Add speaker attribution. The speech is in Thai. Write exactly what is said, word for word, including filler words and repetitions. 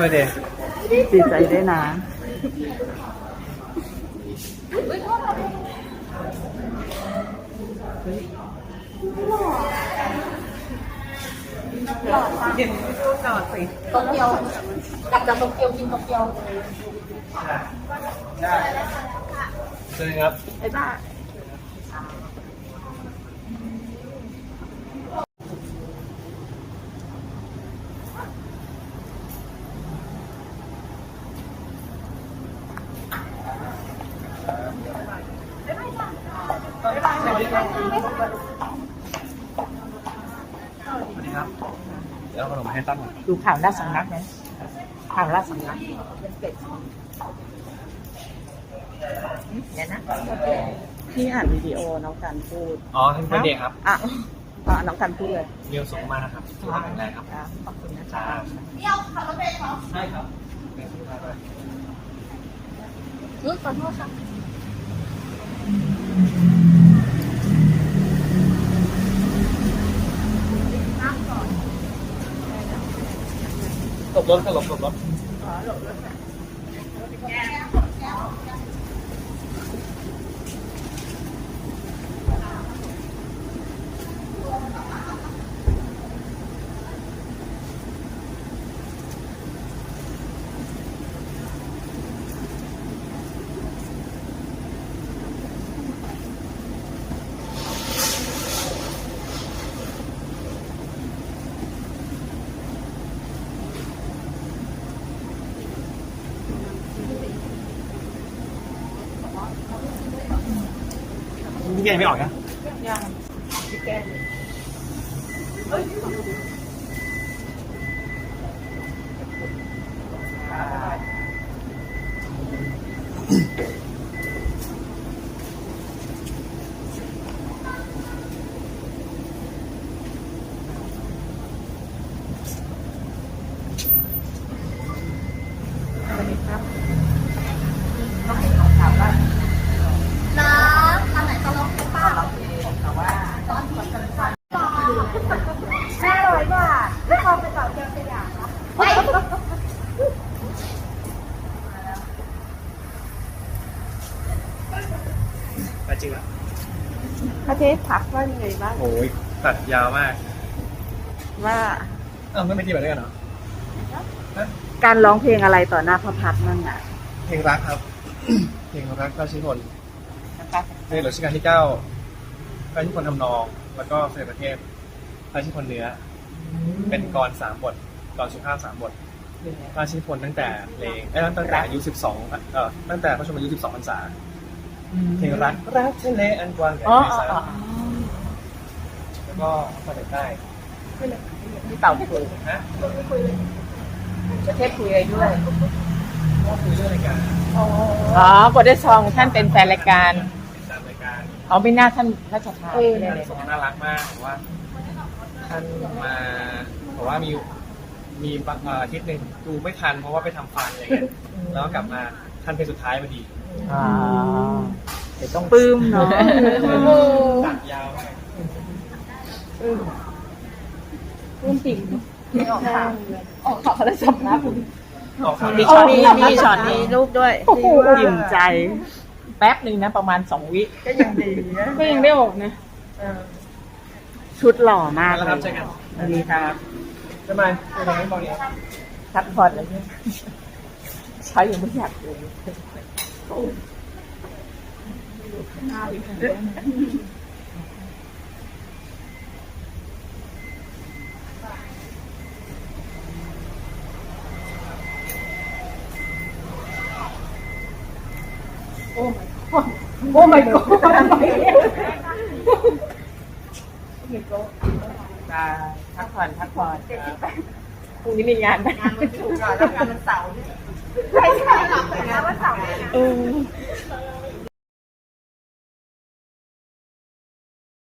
Speaker 1: อร์เดย์
Speaker 2: ดีใจด้วยนะ
Speaker 1: เย็นพูดก่อนสิ
Speaker 3: โตเกียวกลับจากโตเกียวกินโตเกียว
Speaker 1: ใช่ใช่ครับ
Speaker 2: ไอ้บ้า
Speaker 1: สวัสดีครับสวัสดีครับ เดี๋ยวเอาขนมให้ตั้ง
Speaker 2: ดูข่าวราชสำนักนะข่าวราชสำนักเนี่ยนะพี่อ่านวิดีโอน้องกันพูด
Speaker 1: อ๋อท่านเป็นเด็กครับ
Speaker 2: อ่ะอ่ะน้องกันพูดเลย
Speaker 1: เรียวสูงมากนะครับสุขภาพแข็งแรงครับ
Speaker 2: ขอบคุณนะ
Speaker 1: จ้า
Speaker 2: จ๊ะ
Speaker 3: เดี่ยวขับรถไปเหรอ
Speaker 1: ใช่ครับเป็นสุขภาพด้วย
Speaker 3: รู้ขอโทษค่ะ
Speaker 1: หลบรถก็หลบหลบรถนี่แกไม่ออกนะ
Speaker 2: ยังพี่แก้สวัสดีครับต้องให้เขาถามว่า
Speaker 3: น้ำทางไหนตลกป้า
Speaker 2: แต่ว่า
Speaker 3: ตอนที่กันฟันห้าร้อยบาทไม่พอไปต่อเกียวสยามนะไป
Speaker 1: ไปจริงแล้ว
Speaker 2: พระเทพทักว่ายังไงบ้าง
Speaker 1: โอ้ยตัดยาวมาก
Speaker 2: ว่า
Speaker 1: เอ้าไม่ไปที่แบบด้วยกันเหรอ
Speaker 2: การร้องเพลงอะไรต่อหน้าพระพักตร์นั่นน่ะ
Speaker 1: เพลงรักครับ เพลงรักพระชิพลในหลวงรัชกาลที่เก้าพระชิพลทำนองแล้วก็เสด็จประเทศพระชิพลเนื้อเป็นกรสามบทกรสุภาพสามบทพระชิพลตั้งแต่เพลงเอ้ตั้งแต่อายุสิบสองเอ่อตั้งแต่พระชนมายุสิบสองพรรษาเพลงรักรักทะเลอันกว้างใหญ่ไพศาลแล้วก็มาถึงใต้
Speaker 2: พี่เต่าคุย
Speaker 1: นะ
Speaker 2: ประเทศคุยอะไรด้วย
Speaker 1: ก็คุยเรื่องรายการ
Speaker 2: อ๋อกดได้ซองท่านเป็นแฟนรายการ
Speaker 1: ตามรายการ
Speaker 2: อ๋อไม่น่าท่านราชทาน
Speaker 1: สมน่ารักมากผมว่าท่านมาบอกว่ามีมีอาทิตย์หนึ่งดูไม่ทันเพราะว่าไปทำฟันอะไรเงี้ยแล้วกลับมาท่านเป็นสุดท้ายพอดี
Speaker 2: อ่าเดี๋ยวต้องปลื้มเนาะ
Speaker 1: ตัดยาว
Speaker 2: ปลื้มปลื้มปิ่มไม่ออกข่าวออกข่าวเขาได้สำนักมีช็อตมีมีช็อตมีรูปด้วยอิ่มใจแป๊บหนึ่งนะประมาณสองวิก็ยังดีนะก็ยังได้ออกนะชุดหล่อมากเลย
Speaker 1: ครับใช่กัน
Speaker 2: ดีครับ
Speaker 1: ทำไมทำไมบอกเนี่ย
Speaker 2: พักผ่อนเลยใช้ยังไม่อยากเลยโอ้ my god โอ้ my god พักผ่อนพักผ่อนพรุ่งนี้มีงาน
Speaker 3: งานมันถูกก่อนแล้วงานมันเสาร์ใช่ใช่หลังแต่งานวันเสาร์